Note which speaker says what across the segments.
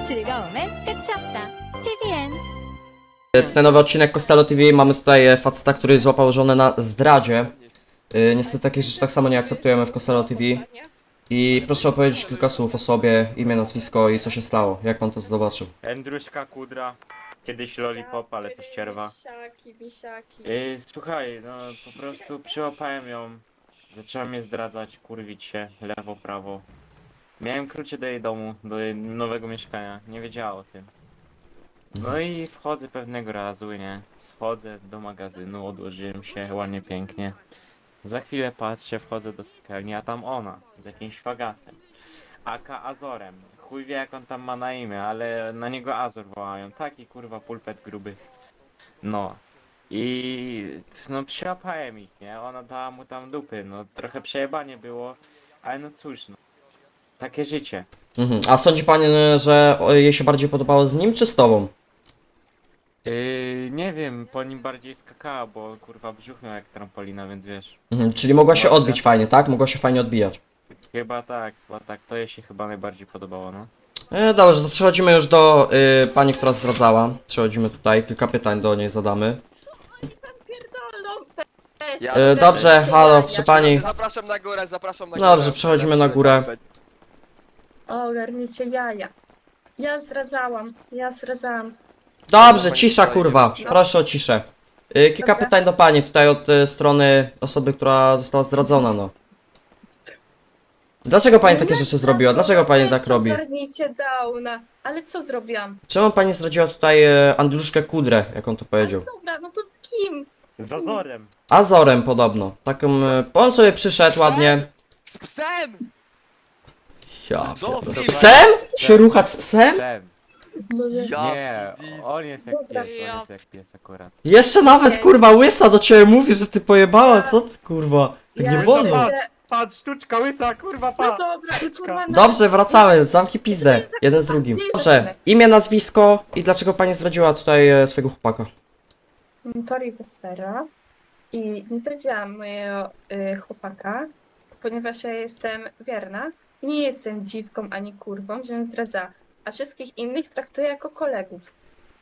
Speaker 1: 즐거움엔 끝이 없다. TVN.
Speaker 2: Tutaj nowy odcinek Costello TV. Mamy tutaj faceta, który złapał żonę na zdradzie. Niestety takich rzeczy tak samo nie akceptujemy w Costello TV. I proszę opowiedzieć kilka słów o sobie, imię, nazwisko i co się stało. Jak pan to zobaczył?
Speaker 3: Andruszka Kudra, kiedyś Lollipop, ale to ścierwa.
Speaker 4: Wisiaki.
Speaker 3: Słuchaj, no po prostu przyłapałem ją. Zaczęła mnie zdradzać, kurwić się, lewo, prawo. Miałem klucze do jej domu, do jej nowego mieszkania, nie wiedziała o tym. No i wchodzę pewnego razu, nie? Schodzę do magazynu, odłożyłem się ładnie, pięknie. Za chwilę patrzę, wchodzę do sypialni, a tam ona, z jakimś fagasem. Aka Azorem. Chuj wie jak on tam ma na imię, ale na niego Azor wołają. Taki kurwa pulpet gruby. No. I no przyłapałem ich, nie? Ona dała mu tam dupy, no trochę przejebanie było, ale no cóż, no. Takie życie.
Speaker 2: A sądzi pan, że jej się bardziej podobało z nim czy z tobą?
Speaker 3: Nie wiem, po nim bardziej skakała, bo kurwa brzuch miał jak trampolina, więc wiesz.
Speaker 2: Czyli mogła się
Speaker 3: No,
Speaker 2: odbić
Speaker 3: ja-
Speaker 2: fajnie, tak? Mogła się fajnie odbijać.
Speaker 3: Chyba tak. To jej się chyba najbardziej podobało, no.
Speaker 2: Dobrze, to przechodzimy już do pani, która zdradzała. Przechodzimy tutaj, kilka pytań do niej zadamy.
Speaker 4: Pierdolą też.
Speaker 5: Ja-
Speaker 2: Dobrze, halo, przy pani.
Speaker 5: Zapraszam na górę, zapraszam na górę.
Speaker 2: Dobrze, przechodzimy na górę.
Speaker 4: O, ogarnijcie jaja. Ja zdradzałam.
Speaker 2: Dobrze, cisza kurwa, proszę o ciszę. Kilka
Speaker 4: Dobrze.
Speaker 2: pytań do pani, tutaj od strony osoby, która została zdradzona, no. Dlaczego pani takie rzeczy zrobiła? Dlaczego pani tak robi?
Speaker 4: Ogarnijcie Downa. Ale co zrobiłam?
Speaker 2: Czemu pani zdradziła tutaj Andruszkę Kudrę, jak on to powiedział?
Speaker 4: Dobra, no to z kim?
Speaker 3: Z Azorem!
Speaker 2: Azorem podobno. Taką, on sobie przyszedł ładnie.
Speaker 5: Z psem!
Speaker 2: Ja,
Speaker 5: Co?
Speaker 2: pierdolę. Z psem? Się ruchać z psem?
Speaker 3: Psem.
Speaker 5: Ja
Speaker 3: Nie,
Speaker 5: pidi.
Speaker 3: on jest jak
Speaker 4: Dobra.
Speaker 3: pies, on jest jak pies akurat.
Speaker 2: Jeszcze nawet kurwa łysa do ciebie mówi, że ty pojebała, co ty kurwa? Tak nie
Speaker 4: Ja
Speaker 2: wolno.
Speaker 4: się-
Speaker 3: Patrz, sztuczka łysa, kurwa,
Speaker 4: No dobra, i kurwa na...
Speaker 2: Dobrze, wracamy, zamknij pizdę. Jeden z drugim. Dobrze, imię, nazwisko i dlaczego pani zdradziła tutaj swojego chłopaka?
Speaker 4: Tori Wespera. I nie zdradziłam mojego chłopaka, ponieważ ja jestem wierna. I nie jestem dziwką ani kurwą, że zdradza. A wszystkich innych traktuję jako kolegów.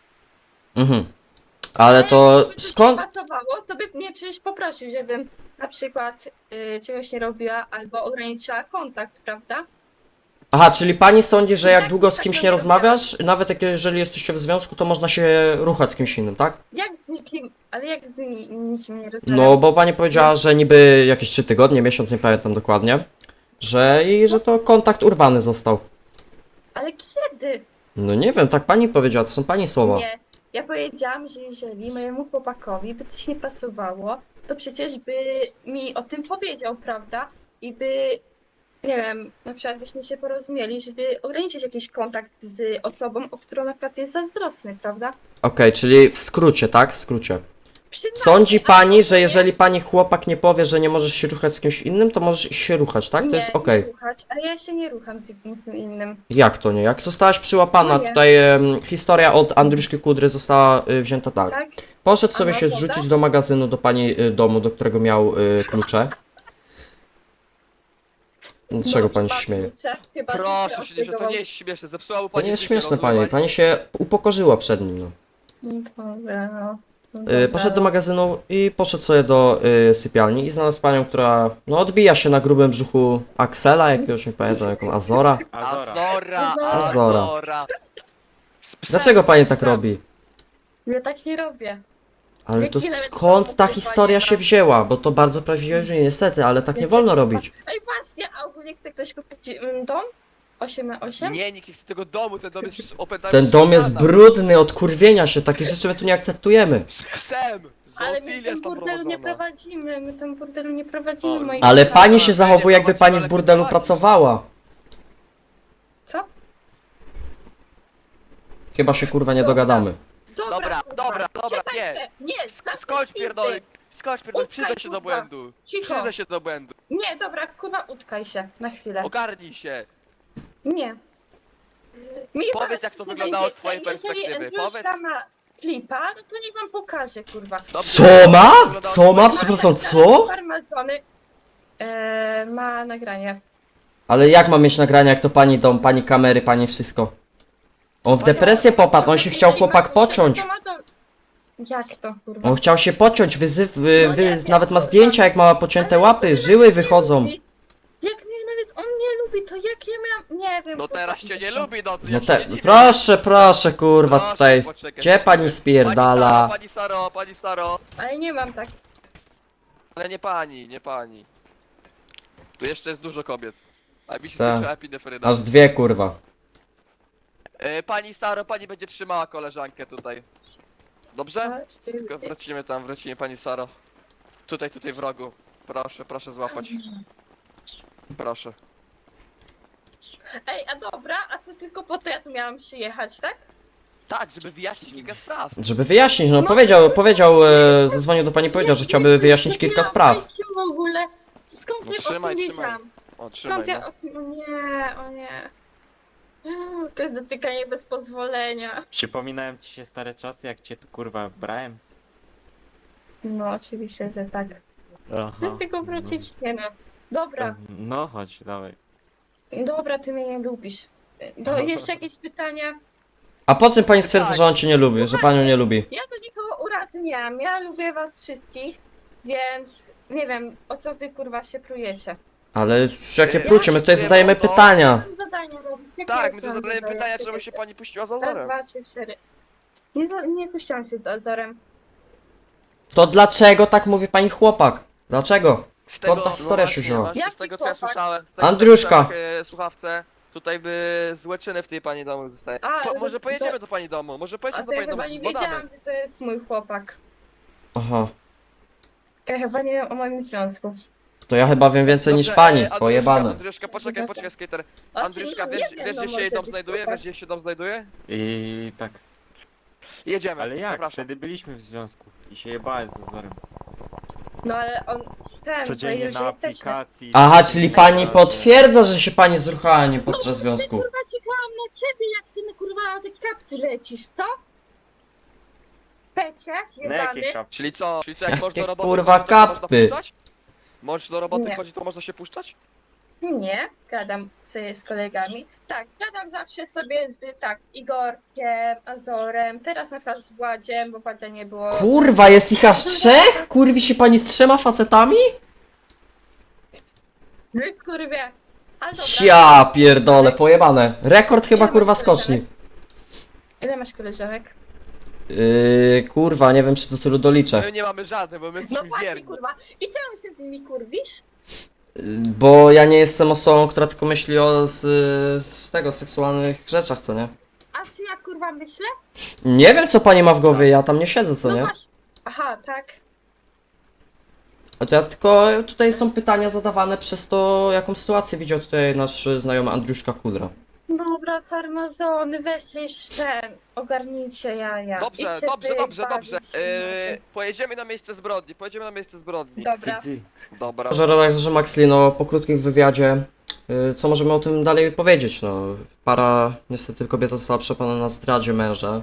Speaker 2: Ale to
Speaker 4: Jakby coś
Speaker 2: skąd?
Speaker 4: nie pasowało, to by mnie przecież poprosił, żebym na przykład czegoś nie robiła albo ograniczyła kontakt, prawda?
Speaker 2: Aha, czyli pani sądzi, że jak
Speaker 4: Tak,
Speaker 2: długo z
Speaker 4: tak
Speaker 2: kimś
Speaker 4: to
Speaker 2: nie
Speaker 4: nie
Speaker 2: rozmawiasz, nawet jeżeli jesteście w związku, to można się ruchać z kimś innym, tak?
Speaker 4: Jak z nikim, ale jak z nikim nie rozmawiam?
Speaker 2: No, bo pani powiedziała, że niby jakieś 3 tygodnie, miesiąc, nie pamiętam dokładnie, że to kontakt urwany został.
Speaker 4: Ale kiedy?
Speaker 2: No nie wiem, tak pani powiedziała, to są pani słowa.
Speaker 4: Nie. Ja powiedziałam, że jeżeli mojemu chłopakowi by coś nie pasowało, to przecież by mi o tym powiedział, prawda? I by, nie wiem, na przykład byśmy się porozumieli, żeby ograniczyć jakiś kontakt z osobą, o którą na przykład jest zazdrosny, prawda?
Speaker 2: Okej, czyli w skrócie, tak? W skrócie.
Speaker 4: Przynajmniej,
Speaker 2: Sądzi
Speaker 4: a
Speaker 2: pani, że
Speaker 4: nie-
Speaker 2: jeżeli pani chłopak nie powie, że nie możesz się ruchać z kimś innym, to możesz się ruchać, tak? To jest okej.
Speaker 4: Nie ruchać, ale ja się nie rucham z nikim innym.
Speaker 2: Jak to nie? Jak zostałaś przyłapana,
Speaker 4: No nie.
Speaker 2: tutaj historia od Andruszki Kudry została wzięta tak.
Speaker 4: Tak?
Speaker 2: Poszedł sobie
Speaker 4: A
Speaker 2: się
Speaker 4: no,
Speaker 2: zrzucić
Speaker 4: dobra.
Speaker 2: do magazynu, do pani domu, do którego miał klucze. Dlaczego pani się śmieje?
Speaker 4: Chyba
Speaker 5: Proszę się, że to nie jest śmieszne, zepsuła mu
Speaker 2: To
Speaker 5: pani
Speaker 2: nie jest
Speaker 5: życie,
Speaker 2: śmieszne,
Speaker 5: rozumie
Speaker 2: pani. Pani się upokorzyła przed nim, no.
Speaker 4: Dobra, no.
Speaker 2: Poszedł do magazynu i poszedł sobie do sypialni i znalazł panią, która no odbija się na grubym brzuchu Axela, jakiegoś nie pamiętam, jaką Azora.
Speaker 3: Azora.
Speaker 5: Azora.
Speaker 2: Azora.
Speaker 5: Z psem.
Speaker 2: Dlaczego pani tak
Speaker 5: Psem.
Speaker 2: robi?
Speaker 4: Ja tak nie robię.
Speaker 2: Ale
Speaker 4: Jak
Speaker 2: to
Speaker 4: ile
Speaker 2: skąd ta
Speaker 4: wytrwało
Speaker 2: historia się
Speaker 4: trwanie,
Speaker 2: wzięła? Bo to bardzo prawdziwe, że niestety, ale tak nie wolno robić.
Speaker 4: Ej, właśnie, a ogólnie chce ktoś kupić dom? 8x8?
Speaker 5: Nie, nikt nie chce tego domu, ten dom jest opętany.
Speaker 2: Ten dom jest
Speaker 5: szatan.
Speaker 2: brudny od kurwienia się, takie rzeczy my tu nie akceptujemy.
Speaker 5: Z psem!
Speaker 4: Ale my
Speaker 5: Zoofilia
Speaker 4: tam
Speaker 5: jest tam
Speaker 4: burdelu nie
Speaker 5: prowadzona.
Speaker 4: prowadzimy, my tam burdelu nie prowadzimy,
Speaker 5: O,
Speaker 4: moi
Speaker 2: Ale
Speaker 4: kochani.
Speaker 2: pani się zachowuje, jakby pani w burdelu pracowała.
Speaker 4: Co?
Speaker 2: Chyba się kurwa nie
Speaker 4: Dobra.
Speaker 2: dogadamy.
Speaker 5: Dobra,
Speaker 4: kurwa,
Speaker 5: dobra,
Speaker 4: czekajcie. Nie,
Speaker 5: Skocz pierdolę, skocz pierdolę,
Speaker 4: Utkaj,
Speaker 5: przyznaj się do
Speaker 4: kurwa.
Speaker 5: błędu.
Speaker 4: Cicho.
Speaker 5: Przyznaj się do błędu.
Speaker 4: Nie, dobra, kurwa, utkaj się na chwilę.
Speaker 5: Ogarnij się.
Speaker 4: Nie. Mi
Speaker 5: Powiedz,
Speaker 4: zaraz
Speaker 5: jak to
Speaker 4: się
Speaker 5: wyglądało z
Speaker 4: dowiedziecie.
Speaker 5: twojej perspektywy,
Speaker 4: Jeżeli Andruszka
Speaker 5: powiedz.
Speaker 4: ma flipa, no to niech wam pokaże, kurwa.
Speaker 5: Dobrze,
Speaker 2: Co
Speaker 5: jak to
Speaker 2: ma?
Speaker 5: wyglądało z
Speaker 2: Co ma?
Speaker 5: twojej
Speaker 2: Przepraszam,
Speaker 5: perspektywy?
Speaker 2: co?
Speaker 4: Farmazony ma nagranie.
Speaker 2: Ale jak mam mieć nagrania, jak to pani dom, pani kamery, pani wszystko? On w depresję popadł, on się chciał
Speaker 4: Jeżeli
Speaker 2: chłopak
Speaker 4: ma-
Speaker 2: pociąć.
Speaker 4: to ma to- Jak to, kurwa?
Speaker 2: On chciał się pociąć,
Speaker 4: No nie wiem,
Speaker 2: nawet ma
Speaker 4: kurwa.
Speaker 2: zdjęcia jak ma pocięte
Speaker 4: Ale
Speaker 2: łapy,
Speaker 4: on
Speaker 2: żyły
Speaker 4: nawet
Speaker 2: wychodzą.
Speaker 4: nie lubi. Jak mnie nawet on nie lubi, to jak ja miałam... Nie wiem.
Speaker 5: No
Speaker 4: kurwa.
Speaker 5: teraz cię nie lubi, no
Speaker 2: No
Speaker 5: ja się nie dziwię.
Speaker 2: proszę kurwa
Speaker 5: Proszę,
Speaker 2: tutaj.
Speaker 5: poczekaj,
Speaker 2: Gdzie pani
Speaker 5: poczekaj.
Speaker 2: spierdala?
Speaker 5: Pani Saro.
Speaker 4: Ale nie mam tak.
Speaker 5: Ale nie pani. Tu jeszcze jest dużo kobiet. A mi się
Speaker 2: Tak.
Speaker 5: skończyła epinefryna.
Speaker 2: Aż dwie kurwa.
Speaker 5: Pani Saro, pani będzie trzymała koleżankę tutaj. Dobrze?
Speaker 4: Ale cztery-
Speaker 5: Tylko wrócimy pani Saro. Tutaj w rogu. Proszę złapać. Proszę.
Speaker 4: Ej, a dobra, a to tylko po to ja tu miałam przyjechać, tak?
Speaker 5: Tak, żeby wyjaśnić kilka spraw.
Speaker 2: Żeby wyjaśnić, no zadzwonił do pani, powiedział, że chciałby wyjaśnić kilka spraw.
Speaker 4: W ogóle. Skąd
Speaker 5: No
Speaker 4: ja o
Speaker 5: trzymaj,
Speaker 4: tym
Speaker 5: trzymaj.
Speaker 4: wiedziałam?
Speaker 5: O, trzymaj,
Speaker 4: Skąd ja
Speaker 5: no.
Speaker 4: o tym... O nie. To jest dotykanie bez pozwolenia.
Speaker 3: Przypominałem ci się stare czasy, jak cię tu kurwa brałem?
Speaker 4: No, oczywiście, że tak.
Speaker 3: Aha.
Speaker 4: Chcę tylko wrócić? Nie no. Dobra,
Speaker 3: No chodź, dawaj.
Speaker 4: dobra, ty mnie nie lubisz. Jeszcze jakieś pytania?
Speaker 2: A po czym pani stwierdza, że on cię nie lubi, że panią nie lubi?
Speaker 4: Ja do nikogo urazy nie mam. Ja lubię was wszystkich, więc nie wiem, o co wy kurwa się plujecie.
Speaker 2: Ale jakie plucie, my tutaj
Speaker 5: Ja
Speaker 2: zadajemy
Speaker 5: to-
Speaker 2: pytania.
Speaker 4: Mam zadania robić. Jakie
Speaker 5: Tak, my
Speaker 4: jeszcze
Speaker 5: tu
Speaker 4: mam
Speaker 5: zadajemy
Speaker 4: zadania?
Speaker 5: pytania,
Speaker 4: Czekaj,
Speaker 5: czemu się pani puściła za
Speaker 4: Raz,
Speaker 5: Azorem.
Speaker 4: 2, 3, 4. Nie puściłam się z Azorem.
Speaker 2: To dlaczego tak mówi pani chłopak? Dlaczego?
Speaker 5: Z
Speaker 2: Skąd ta historia się
Speaker 5: właśnie,
Speaker 2: wzięła?
Speaker 5: właśnie
Speaker 4: Jaki
Speaker 5: z tego co ja
Speaker 4: chłopak?
Speaker 5: słyszałem, z tego
Speaker 2: Andruszka.
Speaker 5: co ja słyszałem, słuchawce, tutaj by złe czyny w tej pani domu zostaje.
Speaker 4: A,
Speaker 5: Może
Speaker 4: to-
Speaker 5: pojedziemy do pani domu, może
Speaker 4: A
Speaker 5: pojedziemy
Speaker 4: to
Speaker 5: do
Speaker 4: ja
Speaker 5: pani domu,
Speaker 4: chyba nie
Speaker 5: zbadamy.
Speaker 4: wiedziałam, że to jest mój chłopak.
Speaker 2: Aha.
Speaker 4: Ja chyba nie wiem o moim związku.
Speaker 2: To ja chyba wiem więcej niż pani, pojebane.
Speaker 5: Andruszka, poczekaj, skater.
Speaker 4: Znaczy,
Speaker 5: Andruszka,
Speaker 4: no,
Speaker 5: wiesz,
Speaker 4: nie wiem,
Speaker 5: wiesz
Speaker 4: no,
Speaker 5: gdzie się
Speaker 4: może
Speaker 5: jej dom
Speaker 4: być
Speaker 5: znajduje?
Speaker 4: chłopak.
Speaker 5: Wiesz gdzie się dom znajduje?
Speaker 3: I tak.
Speaker 5: Jedziemy,
Speaker 3: Ale jak?
Speaker 5: zapraszam.
Speaker 3: Wtedy byliśmy w związku i się jebałem z Azorem.
Speaker 4: No ale on... Ten, to
Speaker 3: Codziennie
Speaker 4: już
Speaker 3: na
Speaker 4: jesteśmy.
Speaker 3: aplikacji.
Speaker 2: Aha, czyli pani potwierdza, że się pani zruchała nie podczas związku.
Speaker 4: Kurwa, czekałam na ciebie, jak ty kurwa na te kapty lecisz, co? Pecie,
Speaker 3: Na
Speaker 4: jebany.
Speaker 3: jakie kap?
Speaker 5: Czyli co, jak
Speaker 2: Jakie
Speaker 5: można do roboty
Speaker 2: kurwa
Speaker 5: chodzić, to się można
Speaker 2: kapty?
Speaker 5: puszczać? Możesz do roboty
Speaker 4: Nie.
Speaker 5: chodzić, to można się puszczać?
Speaker 4: Nie, gadam sobie z kolegami. Tak, gadam zawsze sobie z Igorkiem, Azorem, teraz na przykład z Władziem, bo Władzia nie było.
Speaker 2: Kurwa, jest ich aż trzech? Kurwi się pani z trzema facetami?
Speaker 4: Kurwie. Ale dobra.
Speaker 2: Ja pierdolę, pojebane. Rekord chyba kurwa skoczni.
Speaker 4: Ile masz koleżanek?
Speaker 2: Kurwa, nie wiem czy do tylu doliczę.
Speaker 5: My nie mamy żadnych, bo my
Speaker 4: No
Speaker 5: jesteśmy
Speaker 4: właśnie,
Speaker 5: wierni.
Speaker 4: kurwa. I czemu się z nimi kurwisz?
Speaker 2: Bo ja nie jestem osobą, która tylko myśli o z tego seksualnych rzeczach, co nie?
Speaker 4: A czy ja kurwa myślę?
Speaker 2: Nie wiem co pani ma w głowie, ja tam nie siedzę, co
Speaker 4: No
Speaker 2: nie?
Speaker 4: właśnie. Aha, tak.
Speaker 2: A to ja tylko, tutaj są pytania zadawane przez to, jaką sytuację widział tutaj nasz znajomy Andruszka Kudra.
Speaker 4: Dobra, farmazony, weźcie już ten, ogarnijcie jaja.
Speaker 5: Dobrze,
Speaker 4: Idźcie
Speaker 5: dobrze,
Speaker 4: sobie
Speaker 5: dobrze,
Speaker 4: bawić
Speaker 5: dobrze.
Speaker 4: się.
Speaker 5: Pojedziemy na miejsce zbrodni,
Speaker 4: Dobra.
Speaker 5: Dobra.
Speaker 2: Że redaktorze Maxlino, po krótkim wywiadzie, co możemy o tym dalej powiedzieć? No, niestety kobieta została przepana na zdradzie męża.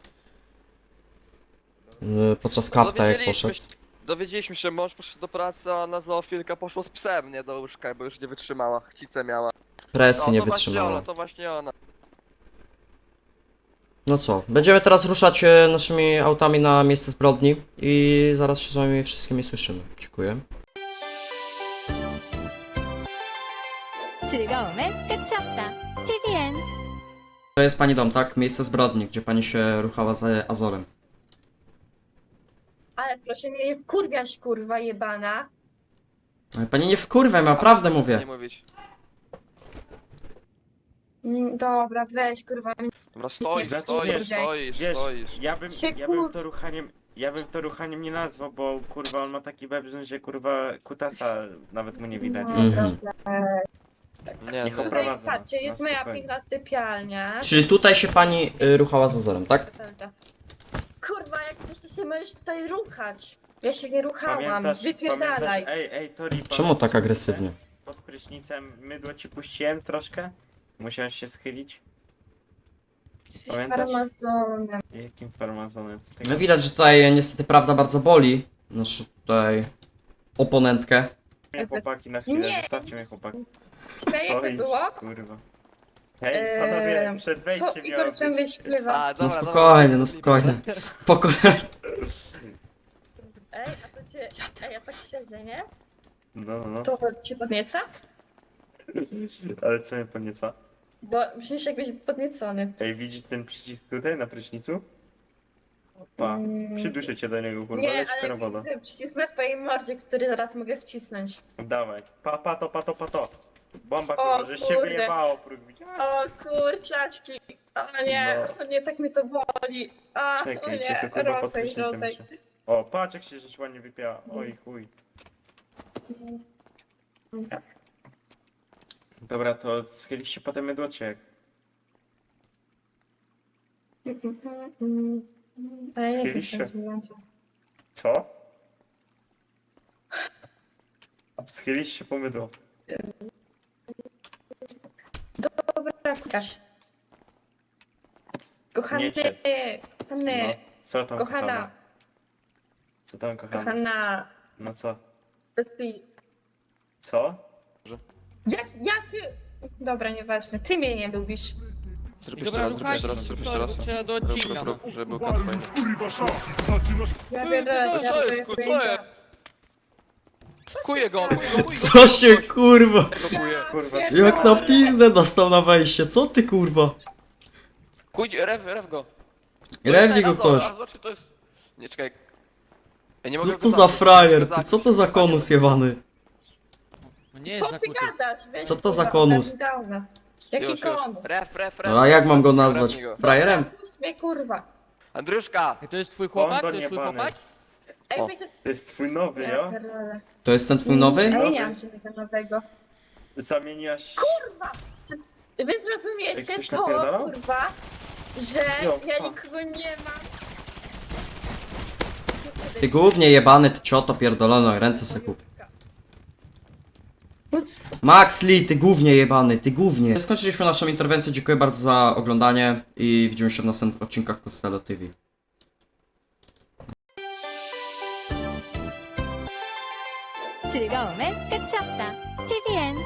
Speaker 2: Podczas kapta jak poszedł.
Speaker 5: Dowiedzieliśmy się, mąż poszedł do pracy, a na zoofilka poszło z psem, nie do łóżka, bo już nie wytrzymała, chcicę miała.
Speaker 2: Presji nie
Speaker 5: to właśnie
Speaker 2: wytrzymała.
Speaker 5: ona, to właśnie ona.
Speaker 2: No co, będziemy teraz ruszać naszymi autami na miejsce zbrodni i zaraz się z wami wszystkimi słyszymy. Dziękuję.
Speaker 1: 즐거움의 끝이었다. TVN.
Speaker 2: To jest pani dom, tak? Miejsce zbrodni, gdzie pani się ruchała z Azorem.
Speaker 4: Ale proszę mnie nie wkurwiać, kurwa jebana.
Speaker 2: Ale pani nie wkurwaj, ja prawdę
Speaker 5: Nie
Speaker 2: mówię.
Speaker 5: mówić.
Speaker 4: Dobra, weź kurwa.
Speaker 5: Dobra, stoisz,
Speaker 3: Zaczniesz,
Speaker 5: stoisz.
Speaker 3: Ja bym to ruchaniem nie nazwał, bo kurwa on ma taki webrzyn, że kurwa kutasa nawet mu nie widać.
Speaker 4: No,
Speaker 2: Mhm.
Speaker 4: dobra.
Speaker 5: Nie,
Speaker 3: Niech
Speaker 5: no.
Speaker 3: oprawi-
Speaker 4: Tutaj patrzcie, jest
Speaker 3: Na
Speaker 4: moja
Speaker 3: spokojnie.
Speaker 4: piękna sypialnia.
Speaker 2: Czyli tutaj się pani ruchała z Azorem, tak?
Speaker 4: Prawda. Kurwa, jak myślę, się możesz tutaj ruchać. Ja się nie ruchałam,
Speaker 3: Pamiętasz,
Speaker 4: wypierdalaj.
Speaker 3: ej Tori,
Speaker 2: Czemu tak agresywnie?
Speaker 3: Pod prysznicem mydło ci puściłem troszkę? Musiałeś się schylić? Pamiętasz?
Speaker 4: Farmazonem.
Speaker 3: Jakim farmazonem? Co
Speaker 2: No
Speaker 3: tego?
Speaker 2: widać, że tutaj niestety prawda bardzo boli. Naszą tutaj oponentkę.
Speaker 3: Mnie chłopaki na chwilę,
Speaker 4: Nie.
Speaker 3: zostawcie mnie chłopaki.
Speaker 4: Ciekawe jak to
Speaker 3: Stoisz,
Speaker 4: było?
Speaker 3: kurwa. Hej, panowie, przed
Speaker 4: Co
Speaker 3: wejściem miało
Speaker 4: Igor ciągle
Speaker 3: być.
Speaker 4: śpiewa?
Speaker 5: A, dobra,
Speaker 2: No spokojnie, no spokojnie. Po kolei.
Speaker 4: Ej, a to cię... Ej, a tak szczerze, nie?
Speaker 3: No.
Speaker 4: To cię podnieca?
Speaker 3: Ale co mnie podnieca?
Speaker 4: Bo brzmisz jakbyś podniecony.
Speaker 3: Ej, widzisz ten przycisk tutaj na prysznicu? Pa, przyduszę cię do niego, kurwa,
Speaker 4: Nie,
Speaker 3: leć
Speaker 4: ale
Speaker 3: teraz woda.
Speaker 4: widzę przycisk na twojej mordzie, który zaraz mogę wcisnąć.
Speaker 3: Dawaj, pato. Bomba,
Speaker 4: O,
Speaker 3: kurwa, żeś się
Speaker 4: kurde.
Speaker 3: wyjebało, próg, widziałeś?
Speaker 4: O kurczaczki! O nie,
Speaker 3: No.
Speaker 4: o nie, tak mnie to boli. O
Speaker 3: Czekaj,
Speaker 4: nie,
Speaker 3: cię tu kurwa pod
Speaker 4: Rotek,
Speaker 3: prysznicem
Speaker 4: Rotek.
Speaker 3: jeszcze. O, patrz jak się żeś ładnie wypiała, oj chuj. Dobra, to schylisz się potem mydłocie.
Speaker 4: Ale nie
Speaker 3: Schylisz się?
Speaker 4: chcę się.
Speaker 3: Co? Schylisz się po mydło.
Speaker 4: Dobra, Łukasz. Kochany,
Speaker 3: Nie cię.
Speaker 4: kochany,
Speaker 3: No, co tam kochana?
Speaker 4: kochana,
Speaker 3: Co tam kochana?
Speaker 4: kochana,
Speaker 3: No co?
Speaker 4: bezpi...
Speaker 3: Co?
Speaker 4: Ja cię... Dobra, nieważne, ty mnie nie lubisz.
Speaker 5: Zrób
Speaker 6: I
Speaker 5: jeszcze
Speaker 6: dobra,
Speaker 5: raz, zrób jeszcze
Speaker 6: słuchajcie,
Speaker 5: raz, zrób
Speaker 6: sorry,
Speaker 5: jeszcze raz.
Speaker 6: bo trzeba do odcinka, no.
Speaker 5: Żeby był kat fajny.
Speaker 4: Ja biorę,
Speaker 5: Co
Speaker 4: ja
Speaker 5: jest,
Speaker 4: biorę
Speaker 5: co
Speaker 4: pojęcia.
Speaker 5: jest? Kuję go.
Speaker 2: Co się kurwa?
Speaker 5: Kuję.
Speaker 3: Kurwa,
Speaker 2: Jak na pizdę dostał na wejście, co ty kurwa?
Speaker 5: Kuj, ref go.
Speaker 2: Rewdzi go kosz.
Speaker 5: To jest... Nie, czekaj. Ja nie
Speaker 2: Co
Speaker 5: mogę
Speaker 2: to
Speaker 5: go
Speaker 2: za
Speaker 5: zabić,
Speaker 2: frajer,
Speaker 5: nie mogę
Speaker 2: ty? Co
Speaker 5: go
Speaker 2: to za
Speaker 5: zabić.
Speaker 2: konus jebany?
Speaker 6: No nie jest
Speaker 4: Co ty
Speaker 6: zakuty.
Speaker 4: gadasz? Weź,
Speaker 2: Co to za
Speaker 4: kurwa,
Speaker 2: konus?
Speaker 4: dawna. Jaki
Speaker 5: Już.
Speaker 4: konus?
Speaker 5: Ref.
Speaker 2: No a jak mam go nazwać?
Speaker 5: Rewnij go.
Speaker 2: Frajerem?
Speaker 4: Puść mnie, kurwa.
Speaker 5: Andruszka!
Speaker 6: Ej, to jest twój chłopak? To
Speaker 3: Kondo
Speaker 6: jest twój
Speaker 3: niebany.
Speaker 6: chłopak?
Speaker 4: Ej,
Speaker 5: O.
Speaker 4: wiecie...
Speaker 3: To jest twój nowy,
Speaker 4: Ja
Speaker 3: jo?
Speaker 4: pierdolę.
Speaker 2: To jest ten twój nowy?
Speaker 4: A ja nie mam żadnego nowego.
Speaker 3: Zamieniłaś...
Speaker 4: Kurwa! Czy wy
Speaker 3: Ej,
Speaker 4: zrozumiecie
Speaker 3: ktoś
Speaker 4: to,
Speaker 3: napierdalał?
Speaker 4: kurwa, że
Speaker 3: Jo,
Speaker 4: ja
Speaker 3: pa.
Speaker 4: nikogo nie mam?
Speaker 2: Ty głównie jebany, ty cioto pierdolono, ręce se kup.
Speaker 4: No co?
Speaker 2: Max Lee, ty głównie jebany, ty głównie. Skończyliśmy naszą interwencję, dziękuję bardzo za oglądanie i widzimy się w następnych odcinkach Costello TV.
Speaker 1: 즐거움의 끝이 없다. TVN